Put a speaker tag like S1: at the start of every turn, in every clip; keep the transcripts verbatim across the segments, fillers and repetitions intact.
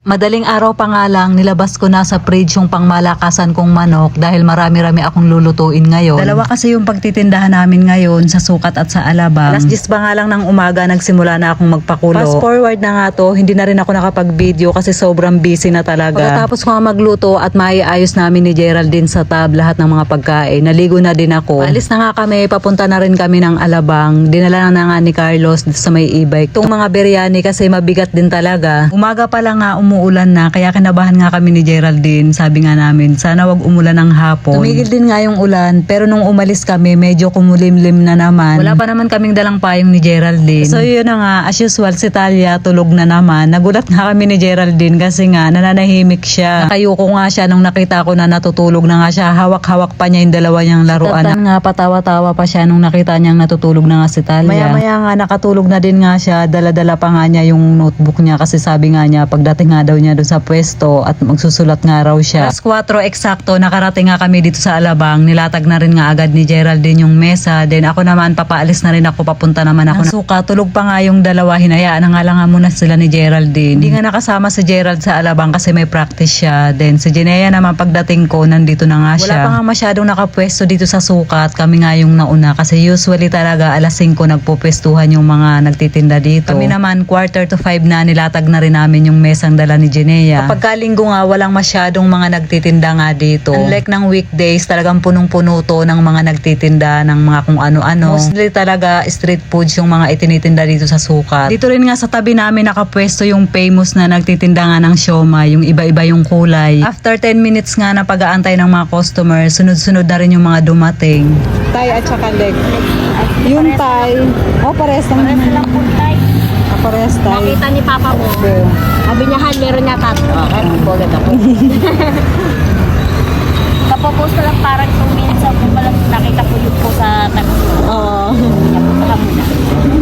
S1: Madaling araw pa nga lang, nilabas ko na sa fridge yung pangmalakasan kong manok dahil marami-rami akong lulutuin ngayon. Dalawa kasi yung pagtitindahan namin ngayon sa sukat at sa alabang. Alas diyes ba nga lang ng umaga, nagsimula na akong magpakulo. Fast forward na nga to, hindi na rin ako nakapag-video kasi sobrang busy na talaga. Pagkatapos ko nga magluto at maiayos namin ni Geraldine sa tab lahat ng mga pagkain, naligo na din ako. Alis na nga kami, papunta na rin kami ng alabang. Dinala na nga ni Carlos dito sa may e-bike. Itong mga biryani kasi mabigat din talaga. Umaga pa lang nga umuulan na, kaya kinabahan nga kami ni Geraldine. Sabi nga namin, sana wag umulan ng hapon. Tumigil din nga yung ulan, pero nung umalis kami, medyo kumulimlim na naman. Wala pa naman kaming dalang payong ni Geraldine. So yun na nga, as usual, si Talia tulog na naman. Nagulat nga kami ni Geraldine kasi nga nananahimik siya. Nakayuko nga siya nung nakita ko na natutulog na nga siya. Hawak-hawak pa niya yung dalawa niyang laruan. Tatan nga, patawa-tawa pa siya nung nakita niyang natutulog na nga si Talia. Maya-maya nga, nakatulog na din nga siya. Dala-dala pa nga niya yung notebook niya kasi sabi nga niya, pagdating nga daw niya doon sa pwesto at magsusulat nga raw siya. alas kwatro eksakto, nakarating nga kami dito sa alabang. Nilatag na rin nga agad ni Geraldine yung mesa. Then ako naman, papaalis na rin ako, papunta naman ako. Ang suka, tulog pa nga yung dalawa. Hinayaan na nga lang nga muna sila ni Geraldine. Hindi nga nakasama si Gerald sa alabang kasi may practice siya. Then si Jinea naman, pagdating ko, nandito na nga siya. Wala pa nga masyadong nakapwesto dito sa sukat. Kami nga yung nauna kasi usually talaga alas singko nagpupwestuhan yung mga nagtitinda dito. Kami naman, quarter to five na, nilatag na rin namin yung mesang dala ni Jinea. Kapag kalinggo nga, walang masyadong mga nagtitinda nga dito. Unlike ng weekdays, talagang punong-puno to ng mga nagtitinda ng mga kung ano-ano. Mostly talaga street foods yung mga itinitinda dito sa sukat. Dito rin nga sa tabi namin nakapwesto yung famous na nagtitinda nga ng siomai, yung iba-iba yung kulay. After ten minutes nga na pag-aantay ng mga customer, sunod-sunod na rin yung mga dumating. Tay at saka leg. Yung tay, oh pares lang
S2: Pares lang po tayo.
S1: Pares tay.
S2: Nakita ni Papa mo.
S1: Okay.
S2: Sabi niya, Han, meron niya tatlo. Okay, magbogat ako. Kapopost ko lang parang two minutes ako pala nakita ko yun po sa tago.
S1: Oo.
S2: Napunta mo na.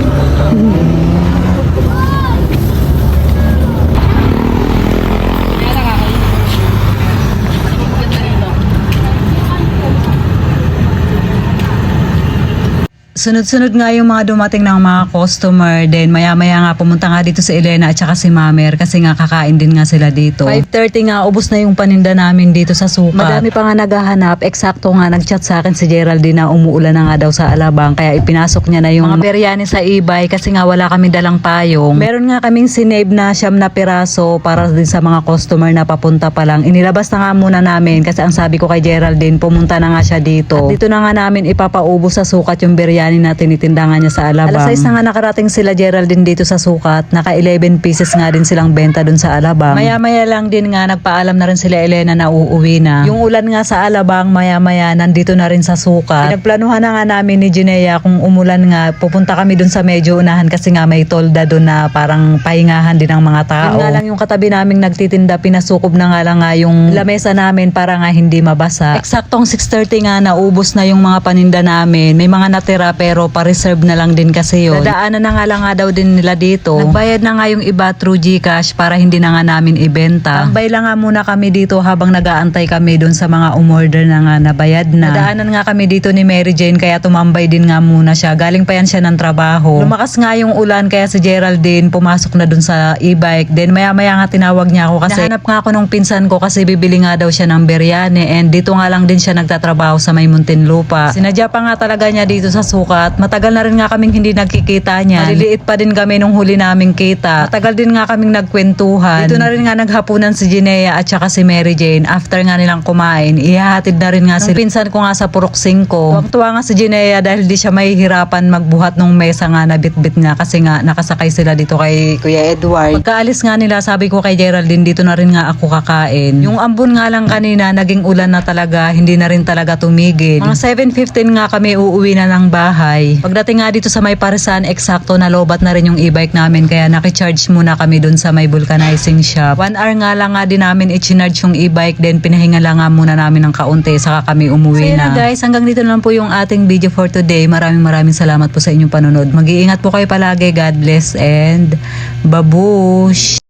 S1: Sunod-sunod nga yung mga dumating ng mga customer. Then maya-maya nga pumunta nga dito si Elena at saka si Mamer kasi nga kakain din nga sila dito. five thirty nga, ubos na yung paninda namin dito sa sukat. Madami pa nga naghahanap. Eksakto nga nagchat sa akin si Geraldine na umuulan na nga daw sa alabang. Kaya ipinasok niya na yung mga biryani sa e-bike kasi nga wala kami dalang payong. Meron nga kaming sinave na siyam na piraso para din sa mga customer na papunta pa lang. Inilabas na nga muna namin kasi ang sabi ko kay Geraldine, pumunta na nga siya dito. At dito na nga namin ipapaubos sa sukat yung biryani na tinitinda nga niya sa alabang. alas sais na nga nakarating sila Geraldine dito sa sukat. Naka eleven pieces nga din silang benta dun sa alabang. Maya-maya lang din nga nagpaalam na rin sila Elena na uuwi na. Yung ulan nga sa alabang, maya-maya nandito na rin sa sukat. Pinagplanuhan na nga namin ni Jinea kung umulan nga, pupunta kami dun sa medyo unahan kasi nga may tolda dun na parang pahingahan din ng mga tao. Yun nga lang yung katabi naming nagtitinda, pinasukob na nga lang nga yung lamesa namin para nga hindi mabasa. Eksaktong six thirty nga, naubos na yung mga paninda namin. May mga natira pero pa-reserve na lang din kasi yun. Dadaanan na nga lang nga daw din nila dito. Nagbayad na nga yung iba through GCash para hindi na nga namin ibenta. Tambay lang nga muna kami dito habang nag-aantay kami dun sa mga umorder na nga nabayad na. Dadaanan nga kami dito ni Mary Jane kaya tumambay din nga muna siya. Galing pa yan siya ng trabaho. Lumakas nga yung ulan kaya si Geraldine pumasok na dun sa e-bike. Then maya-maya nga tinawag niya ako kasi nahanap nga ako nung pinsan ko kasi bibili nga daw siya ng biryani and dito nga lang din siya nagtatrabaho sa may Muntinlupa. Sinadya pa nga talaga niya dito sa sukat. Matagal na rin nga kaming hindi nagkikita niya. Maliliit pa din kami nung huli naming kita. Matagal din nga kaming nagkwentuhan. Dito na rin nga naghapunan si Jinea at saka si Mary Jane. After nga nilang kumain, ihahatid na rin nga si pinsan ko nga sa Purok Singko. Tuwang-tuwa nga si Jinea dahil di siya mahihirapan magbuhat nung mesa nga na bit-bit niya kasi nga nakasakay sila dito kay Kuya Edward. Pagkaalis nga nila, sabi ko kay Geraldine, dito na rin nga ako kakain. Yung ambon nga lang kanina, naging ulan na talaga, hindi na rin talaga tumigil. Mga seven fifteen nga kami uuwi na ng bahay. Pagdating nga dito sa may Parisan, eksakto na lobat na rin yung e-bike namin kaya nakicharge muna kami dun sa may vulcanizing shop. One hour nga lang nga din namin i-charge yung e-bike, then pinahinga lang nga muna namin ng kaunti saka kami umuwi so, na. So guys, hanggang dito lang po yung ating video for today. Maraming maraming salamat po sa inyong panonood. Mag-iingat po kayo palagi. God bless and babush!